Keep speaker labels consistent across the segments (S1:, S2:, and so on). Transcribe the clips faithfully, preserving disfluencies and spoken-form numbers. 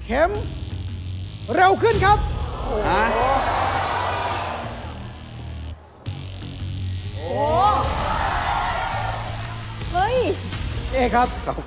S1: เข็มเร็วขึ้นครับ
S2: ฮะ
S3: โอ้เฮ้ย
S1: เอครับ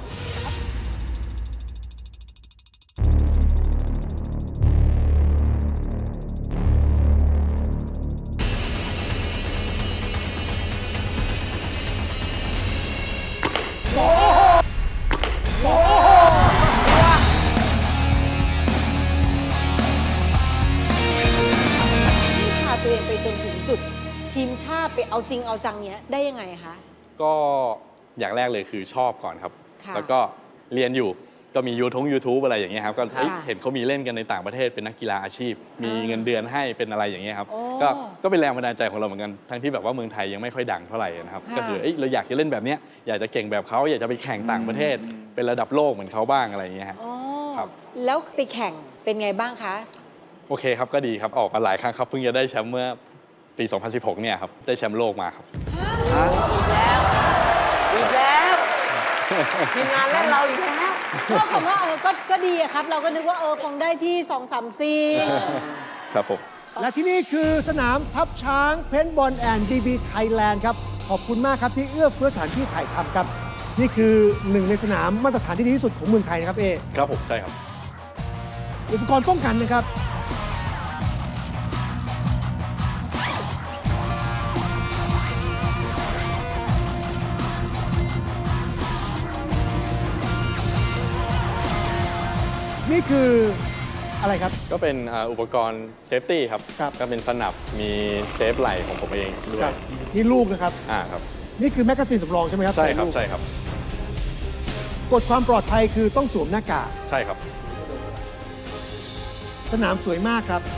S3: นี่พาตัวเองไปจนถึงจุดทีมชาติไปเอาจริงเอาจังเนี้ยได้ยังไงคะ
S2: ก็อย่างแรกเลยคือชอบก่อนครับ
S3: ค่ะ
S2: แล้วก็เรียนอยู่ก็มียูทงยูทูบอะไรอย่างเงี้ยครับก็
S3: ค่ะ
S2: เอ้ยเห็นเขามีเล่นกันในต่างประเทศเป็นนักกีฬาอาชีพ มีเงินเดือนให้เป็นอะไรอย่างเงี้ยครับ
S3: โอ้
S2: ก็ก็เป็นแรงบันดาลใจของเราเหมือนกันทั้งที่แบบว่าเมืองไทยยังไม่ค่อยดังเท่าไหร่นะครับ
S3: ค่ะ
S2: ก็คือเอ้ยเราอยากจะเล่นแบบเนี้ยอยากจะเก่งแบบเขาอยากจะไปแข่งต่างประเทศ เป็นระดับโลกเหมือนเขาบ้างอะไรอย่างเงี้ยครับ
S3: อ๋อ
S2: ครับ
S3: แล้วไปแข่งเป็นไงบ้างคะ
S2: โอเคครับก็ดีครับออกมาหลายครั้งครับเพิ่งจะได้แชมป์เมื่อปี สองพันสิบหก เนี่ยครับได้แชมป์โลกมาครับ
S4: อีกแล้ว อีกแล้วทีมงานเล่นเราอีกแล้ว
S3: ชอบคำว่าเออก็ก็ดีอะครับ เราก็นึกว่าเออคงได้ที่สองสามสี่
S2: ครับผม
S1: และที่นี่คือสนามทับช้างเพนบอลแอนด์บีบีไทยแลนด์ครับ ขอบคุณมากครับที่เอื้อเฟื้อสถานที่ถ่ายทำครับ นี่คือหนึ่งในสนามมาตรฐานที่ดีที่สุดของเมืองไทยนะครับเอ
S2: ครับผมใช่ครับ
S1: อุปกรณ์ป้องกันนะครับ นี่คืออะไรครับ
S2: ก็เป็นอ่าอุปกรณ์เซฟตี้ครับ
S1: ครับ
S2: ก็เป็นสนับมีเซฟไหล่ของผมเองด้วย
S1: นี่ลูกนะครับ
S2: อ่าครับ
S1: นี่คือแมกกาซีนสำรองใช่ไหมครับ
S2: ใช่ครับ
S1: ลูก
S2: ใช่ครับ
S1: กฎความปลอดภัยคือต้องสวมหน้ากาก
S2: ใช่ครับ
S1: สนามสวยมากครับ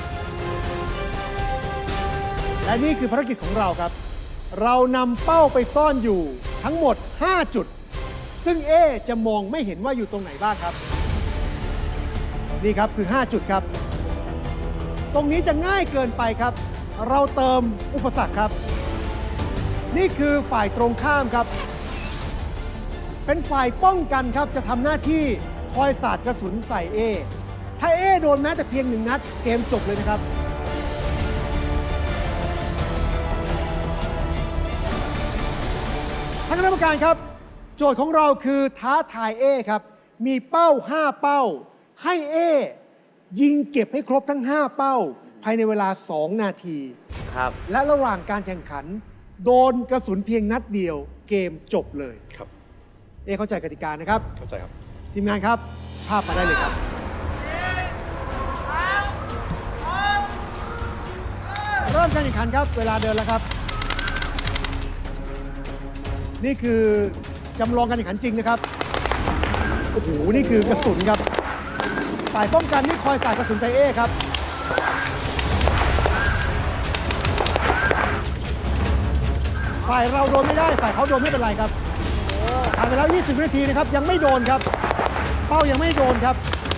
S1: และนี่คือภารกิจของเราครับ เรานำเป้าไปซ่อนอยู่ทั้งหมด ห้า จุด ซึ่งเอจะมองไม่เห็นว่าอยู่ตรงไหนบ้างครับ นี่ครับคือ ห้า จุดครับ ตรงนี้จะง่ายเกินไปครับ เราเติมอุปสรรคครับ นี่คือฝ่ายตรงข้ามครับ เป็นฝ่ายป้องกันครับจะทำหน้าที่คอยสาดกระสุนใส่เอ ถ้าเอโดนแม้แต่เพียงหนึ่งนัดเกมจบเลยนะครับ ท่านคณะกรรมการครับ โจทย์ของเราคือท้าทายเอครับ มีเป้า ห้า เป้า ให้เอยิงเก็บให้ครบทั้ง ห้า เป้า ภายในเวลา สอง นาที
S4: ครับ
S1: และระหว่างการแข่งขัน โดนกระสุนเพียงนัดเดียวเกมจบเลย
S2: ครับ
S1: เอเข้าใจกติกานะครับ
S2: เข้าใจครับ
S1: ทีมงานครับ ภาพมาได้เลยครับ เริ่มการแข่งขันครับ เวลาเดินแล้วครับ นี่คือจำลองการแข่งขันจริงนะครับ โอ้โห นี่คือกระสุนครับ ฝ่ายป้องกันนี่คอยสาดกระสุนใส่เอครับ ฝ่ายเราโดนไม่ได้ ฝ่ายเขาโดนไม่เป็นไรครับผ่านไปแล้ว ยี่สิบ วินาทีนะครับ ยังไม่โดนครับ เป้ายังไม่โดนครับ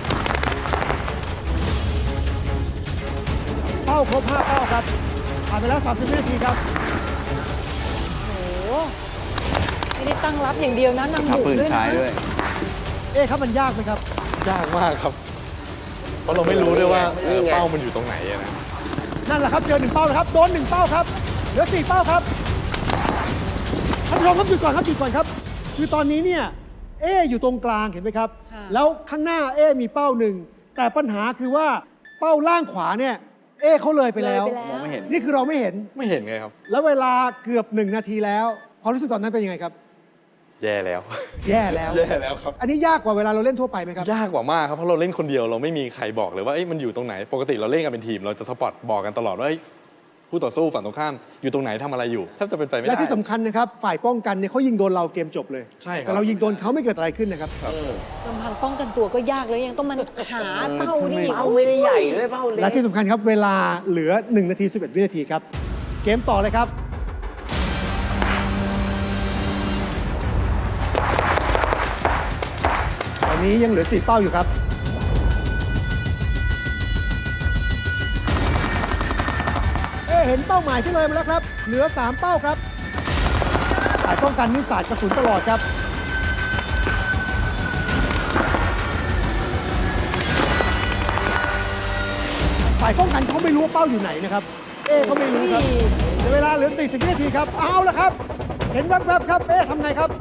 S1: เป้าครบ ห้า เป้าครับ ผ่านไปแล้ว สามสิบ วินาทีครับ
S3: โอ้โหไม่ได้ตั้งรับอย่างเดียวนะนำ
S2: ทับ
S3: บุก
S2: ปืน
S3: ด้วย
S2: ใช้
S3: นะ
S2: ด้วย
S1: เอ๊ะครับมันยากไหมครับ
S2: ยากมากครับ เพราะเราไม่รู้ด้วยว่าเออ
S4: นี่ไง
S2: เป้ามันอยู่ตรงไหนอะนะ
S1: นั่นแหละครับ เจอหนึ่งเป้าแล้วครับ โดนหนึ่งเป้าครับ เหลือสี่เป้าครับท่านผู้ชมครับหยุดก่อนครับหยุดก่อนครับ คือตอนนี้เนี่ย เออยู่ตรงกลางเห็นไหมครับ
S3: ค่ะ
S1: แล้วข้างหน้าเอมีเป้าหนึ่ง แต่ปัญหาคือว่าเป้าล่างขวาเนี่ย เอเขาเลยไปแล้ว
S3: เลยไปแล้ว
S2: มองไม่เห็น
S1: นี่คือเราไม่เห็น
S2: ไม่เห็นไงครับ
S1: แล้วเวลาเกือบหนึ่งนาทีแล้ว ความรู้สึกตอนนั้นเป็นยังไงครับ
S2: แย่แล้ว
S1: แย่แล้ว
S2: แย่แล้วครับ
S1: อันนี้ยากกว่าเวลาเราเล่นทั่วไปไหมครับ
S2: ยากกว่ามากครับ เพราะเราเล่นคนเดียวเราไม่มีใครบอกเลยว่าเอ้ยมันอยู่ตรงไหน ปกติเราเล่นกันเป็นทีม เราจะสปอตบอกกันตลอดว่าเอ้ยคู่ต่อสู้ฝั่งตรงข้ามอยู่ตรงไหนทำอะไรอยู่แทบจะเป็นไปไม่ได้
S1: และที่สำคัญนะครับ ฝ่ายป้องกันเนี่ยเขายิงโดนเราเกมจบเลย
S2: ใช่ครับ
S1: แต่เรายิงโดนเขาไม่เกิดอะไรขึ้นนะครับ
S3: ลำพังป้องกันตัวก็ยากแล้วยังต้องมันหาเป้านี่อีก
S4: เป้าไม่ได้ใหญ่ด้วยเป้าเล็
S1: และ
S4: ก
S1: ที่สำคัญครับเวลาเหลือหนึ่งนาทีสิบเอ็ด วินาทีครับ เกมต่อเลยครับ ตอนนี้ยังเหลือสี่เป้าอยู่ครับ เอ๊ะเห็นเป้าหมายที่เลยมาแล้วครับ เหลือสามเป้าครับฝ่ายป้องกันนิสาดกระสุนตลอดครับฝ่ายป้องกันเขาไม่รู้ว่าเป้าอยู่ไหนนะครับ เอเขาไม่รู้ครับเหลือเวลาเหลือ สี่สิบ วินาทีครับ เอาละครับ เห็นแวบๆครับ เอทำไงครับ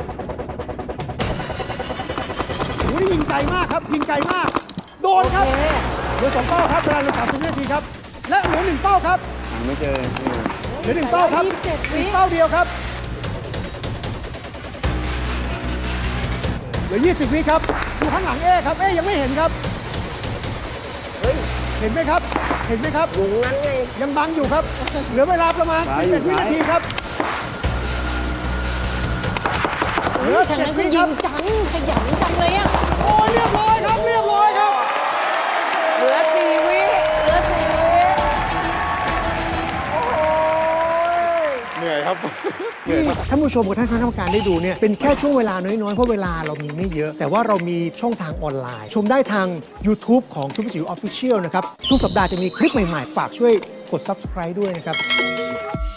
S1: โอ้ยยิงไกลมากครับ ยิงไกลมาก โดนครับ เหลือสองเป้าครับเวลาเหลือสามสิบวินาทีครับ และเหลือหนึ่งเป้าครับ
S5: ไม่เจอ
S1: เหลือหนึ่งเป้าครับ
S3: ยี่สิบเจ็ดวิ
S1: อีกเป้าเดียวครับ เหลือ ยี่สิบ วิครับดูข้างหลังเอครับ เอยังไม่เห็นครับ
S4: เฮ้ย
S1: เห็นไหมครับ เห็นไหมครับ
S4: อยู่งั้นไง
S1: ยังบังอยู่ครับ เหลือเวลาประมาณ สิบเอ็ด วินาทีครับเหลือ
S3: ทาง
S1: เจ็ด
S3: นั้น
S1: วิ
S3: ก็
S1: ค
S3: ยิ
S1: รับ
S3: งจัง ขยันจังเลยอ่ะ
S1: โอ้ยเรียบร้อยครับ เรียบร้อยครับ
S4: เหลือสี่วิเหลือสี่วิโอ้ย
S2: เหนื่อยครับ
S1: ที่ท่านผู้ชมกับท่านคณะกรรมการได้ดูเนี่ยเป็นแค่ช่วงเวลาน้อยๆ เพราะเวลาเรามีไม่เยอะ แต่ว่าเรามีช่องทางออนไลน์ ชมได้ทาง YouTube ของซุปเปอร์จิ๋วออฟฟิเชียลนะครับ ทุกสัปดาห์จะมีคลิปใหม่ๆ ฝากช่วยกด Subscribe ด้วยนะครับ